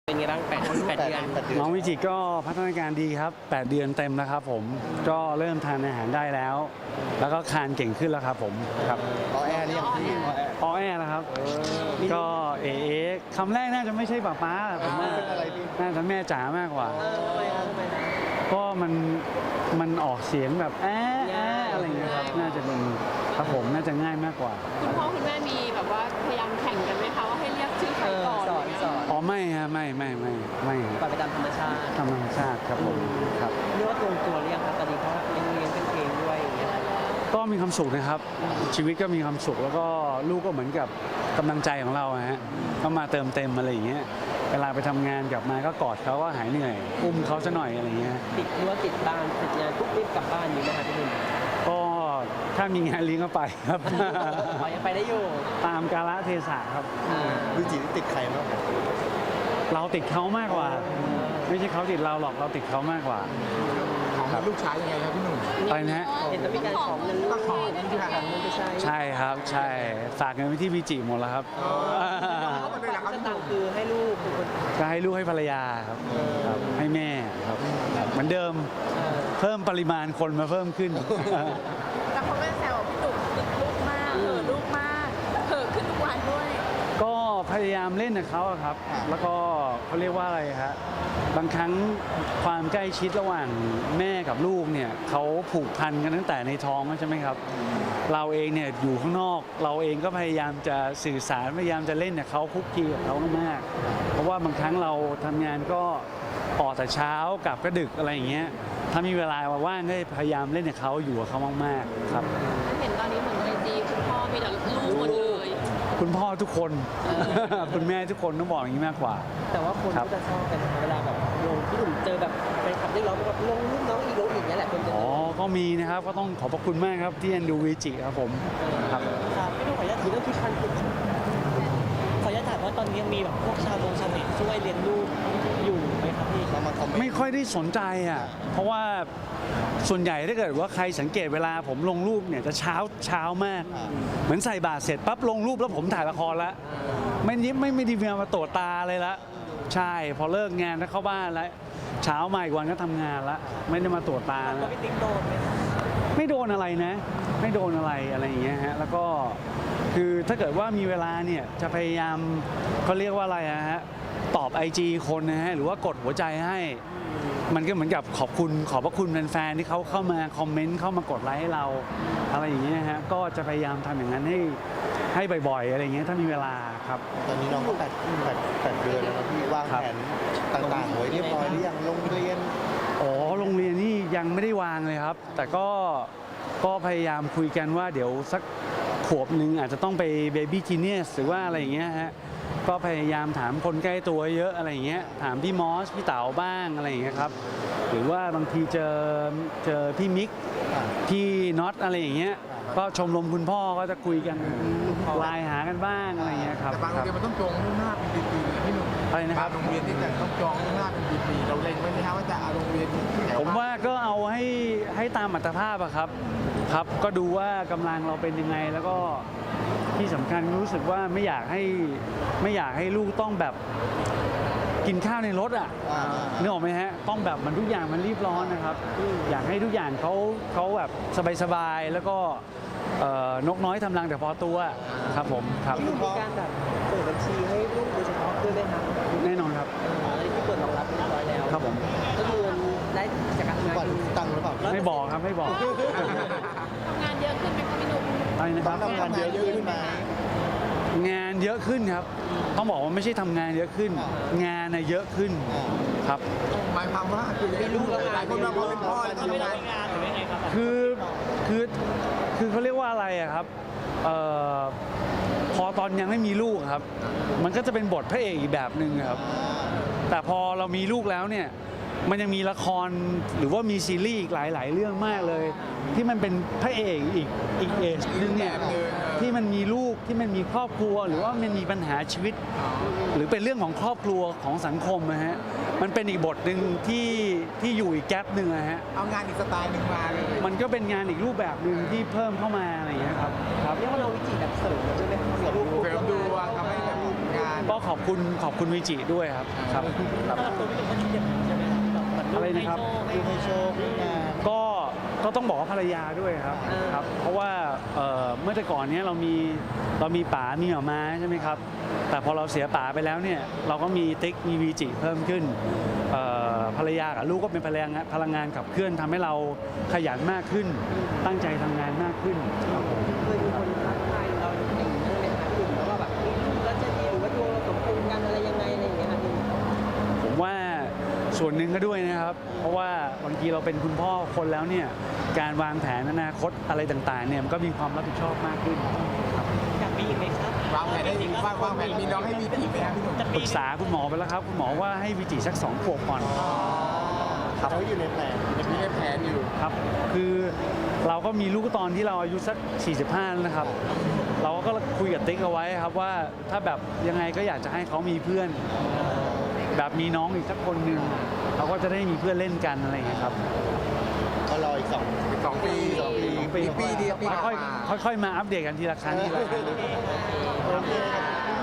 เป็นไงบ้าง8 เดือนน้องวิจิก็พัฒนาการดีครับ8 เดือนเต็มแล้วครับผมก็เริ่มทานอาหารได้แล้ว แล้วก็คานเก่งขึ้นแล้วครับผมครับอแอร์เรียกพี่อแอนะครับก็เอคำแรกน่าจะไม่ใช่ป้าผมว่าน่าจะแม่จ๋ามากกว่าก็มันออกเสียงแบบอะไรอย่างเงี้ยครับน่าจะเป็นครับผมน่าจะง่ายมากกว่าคุณพ่อคุณแม่มีแบบว่าพยายามแข่งกันไหมคะว่าให้เรียกชื่อใครก่อนสอนอ๋อไม่ฮะไม่ปล่อยไปตามธรรมชาติครับผมครับเรียกว่าตรงตัวเรียกครับตอนนี้เขาเลี้ยงเป็นเองด้วยอย่างเงี้ยก็มีความสุขนะครับชีวิตก็มีความสุขแล้วก็ลูกก็เหมือนกับกำลังใจของเราฮะก็มาเติมเต็มอะไรอย่างเงี้ยเวลาไปทำงานกลับมาก็กอดเขาก็หายเหนื่อยอุ้มเขาซะหน่อยอะไรเงี้ยติดรั้วติดบ้านติดงานปุ๊บรีบกลับบ้านอยู่ไหมครับพี่หนุ่มก็ถ้ามีงานเลี้ยงก็ไปครับยังไปได้อยู่ตามกาลเทศะครับวิจิติดใครมากเราติดเขามากกว่าไม่ใช่เขาติดเราหรอกเราติดเขามากกว่าของลูกชายยังไงครับพี่หนุ่มอะไรนะฮะเห็นต้องมีการของเงินลูกของเงินที่ฝากเงินไปใช่ครับใช่ฝากเงินไว้ที่วิจิหมดแล้วครับจะตังคือให้ลูกก็ให้ลูกให้ภรรยาครับให้แม่ครับเหมือนเดิมเพิ่มปริมาณคนมาเพิ่มขึ้นแต่เขาก็แซวพี่ตุ่มติดลูกมากลูกมากขึ้นทุกวันด้วยก็พยายามเล่นกับเขาครับแล้วก็เขาเรียกว่าอะไรฮะบางครั้งความใกล้ชิดระหว่างแม่กับลูกเนี่ยเขาผูกพันกันตั้งแต่ในท้องใช่ไหมครับเราเองเนี่ยอยู่ข้างนอกเราเองก็พยายามจะสื่อสารพยายามจะเล่นกับเขาคุกคีกับเขามากเพราะว่าบางครั้งเราทำงานก็ออกแต่เช้ากลับก็ดึกอะไรอย่างเงี้ยถ้ามีเวลาว่างก็พยายามเล่นกับเขาอยู่กับเขามากๆครับเห็นตอนนี้เหมือนไอจีคุณพ่อมีแต่ลูกหมดเลยคุณพ่อทุกคนคุณแม่ทุกคนต้องบอกอย่างนี้มากกว่าแต่ว่าคนก็จะชอบกันเวลาแบบลงที่หนุ่มเจอแบบแฟนคลับได้ร้องแบบลงรูปน้องอีโรอีกนี่แหละคนจะก็มีนะครับก็ต้องขอบพระคุณมากครับที่เอ็นดูวิจิครับผมครับไม่ต้องขออนุญาตถือเรื่องที่พันคุณขออนุญาตถามว่าตอนนี้ยังมีแบบพวกชาวเน็ตช่วยเรียนรู้อยู่ไหมครับพี่ไม่ค่อยได้สนใจอ่ะเพราะว่าส่วนใหญ่ถ้าเกิดว่าใครสังเกตเวลาผมลงรูปเนี่ยจะเช้ามากเหมือนใส่บาตรเสร็จปั๊บลงรูปแล้วผมถ่ายละครแล้วไม่ได้มาตรวจตาเลยละใช่พอเลิกงานแล้วเข้าบ้านแล้วเช้ามาอีกวันก็ทำงานแล้วไม่ได้มาตรวจตาแล้วไม่โดนอะไรนะไม่โดนอะไรอย่างเงี้ยฮะแล้วก็คือถ้าเกิดว่ามีเวลาเนี่ยจะพยายามเขาเรียกว่าอะไรฮะตอบ IG คนนะฮะหรือว่ากดหัวใจให้มันก็เหมือนกับขอบพระคุณแฟนๆที่เขาเข้ามาคอมเมนต์เข้ามากดไลค์ให้เราอะไรอย่างเงี้ยฮะก็จะพยายามทำอย่างนั้นให้บ่อยๆอะไรอย่างเงี้ยถ้ามีเวลาครับตอนนี้น้องก็8 เดือนแล้วพี่วางแผนต่างๆไว้เรียบร้อยหรือยังโรงเรียนโรงเรียนนี่ยังไม่ได้วางเลยครับแต่ก็พยายามคุยกันว่าเดี๋ยวสักขวบหนึ่งอาจจะต้องไปเบบี้จีเนียสหรือว่าอะไรอย่างเงี้ยฮะก็พยายามถามคนใกล้ตัวเยอะอะไรอย่างเงี้ยถามพี่มอสพี่เต๋าบ้างอะไรอย่างเงี้ยครับหรือว่าบางทีเจอพี่มิกพี่น็อตอะไรอย่างเงี้ยก็ชมรมคุณพ่อก็จะคุยกันไลน์หากันบ้างอะไรเงี้ยครับแต่บางโรงเรียนมันต้องจองล่วงหน้าเป็นปีๆพี่หนุ่มอะไรนะครับโรงเรียนที่จะต้องจองล่วงหน้าเป็นปีๆเราเล็งไว้ไหมครับว่าจะเอาโรงเรียนผมว่าก็เอาให้ตามอัตภาพอะครับก็ดูว่ากำลังเราเป็นยังไงแล้วก็ที่สำคัญรู้สึกว่าไม่อยากให้ลูกต้องแบบกินข้าวในรถอ่ะนึกออกไหมฮะต้องแบบมันทุกอย่างมันรีบร้อนนะครับอยากให้ทุกอย่างเขาแบบสบายๆแล้วก็นกน้อยทำรังแต่พอตัวครับผมครับมีการแบบเปิดบัญชีให้ลูกโดยเฉพาะด้วยไหมครับแน่นอนครับอันนี้ที่เปิดรองรับเรียบร้อยแล้วครับผมก็คือได้จากการทำงานตังหรือเปล่าไม่บอกครับไม่บอกทำงานเยอะขึ้นไหมคะพี่หนุ่มอะไรนะครับทำงานเยอะขึ้นไหมงานเยอะขึ้นครับต้องบอกว่าไม่ใช่ทำงานเยอะขึ้นงานเยอะขึ้นครับหมายความว่าคือมีลูกแล้วหลายคนเราเป็นพ่อทำไม่ได้งานหรือยังไงครับคือเขาเรียกว่าอะไรอะครับพอตอนยังไม่มีลูกครับมันก็จะเป็นบทพระเอกอีกแบบหนึ่งครับแต่พอเรามีลูกแล้วเนี่ยมันยังมีละครหรือว่ามีซีรีส์อีกหลายๆเรื่องมากเลยที่มันเป็นพระเอกอีกเอจนึงเนี่ยที่มันมีลูกที่มันมีครอบครัวหรือว่ามันมีปัญหาชีวิตหรือเป็นเรื่องของครอบครัวของสังคมนะฮะมันเป็นอีกบทหนึ่งที่อยู่อีกแก๊ปหนึ่งนะฮะเอางานอีกสไตล์หนึ่งมาเลยมันก็เป็นงานอีกรูปแบบหนึ่งที่เพิ่มเข้ามาอะไรอย่างเงี้ยครับเรียกว่าเราวิจิแบบเสริมใช่ไหมครับเสริมดูว่าทำให้แบบงานก็ขอบขอบคุณวิจิด้วยครับครับสำหรับตัวพี่หนุ่มก็คิดอย่างนั้นใช่ไหมครับแบบเหมือนลูกอะไรนะครับลูกให้โชคให้งานก็ต้องบอกว่าภรรยาด้วยครับครับ เพราะว่าเมื่อแต่ก่อนเนี้ยเรามีป๋ามีหม่าม้าใช่ไหมครับ แต่พอเราเสียป๋าไปแล้วเนี่ยเราก็มีติ๊กมีวีจิเพิ่มขึ้นภรรยากับลูกก็เป็นพลังงานขับเคลื่อนทำให้เราขยันมากขึ้น ตั้งใจทำงานมากขึ้นครับผมเคยมีคนทักทายเราอย่างนี้ใช่ไหมครับพี่หนุ่มแล้วว่าแบบมีลูกแล้วจะดีหรือว่าดวงเราสมพงษ์กันอะไรยังไงอะไรอย่างเงี้ยครับพี่ผมว่าส่วนหนึ่งก็ด้วยนะครับ เพราะว่าบางทีเราเป็นคุณพ่อคนแล้วเนี่ยการวางแผนอนาคตอะไรต่างๆเนี่ยมันก็มีความรับผิดชอบมากขึ้นอยากมีอีกไหมครับวางแผนได้ดีวางแผนมีน้องให้มีอีกไหมครับพี่หนุ่มจะปมีรึกษาคุณหมอไปแล้วครับคุณหมอว่าให้วิจิสัก2 ขวบก่อนเขาอยู่ในแผนมีในแผนอยู่ครับคือเราก็มีลูกตอนที่เราอายุสัก45แล้วนะครับ เราก็คุยกับติ๊กเอาไว้ครับว่าถ้าแบบยังไงก็อยากจะให้เขามีเพื่อน แบบมีน้องอีกสักคนหนึ่งเขาก็จะได้มีเพื่อนเล่นกันอะไรอย่างเงี้ยครับก็รออีก 2 ปีปีปีเดียวปีค่อยๆมาอัปเดตกันทีละครั้งทีละครั้งโอเคครับ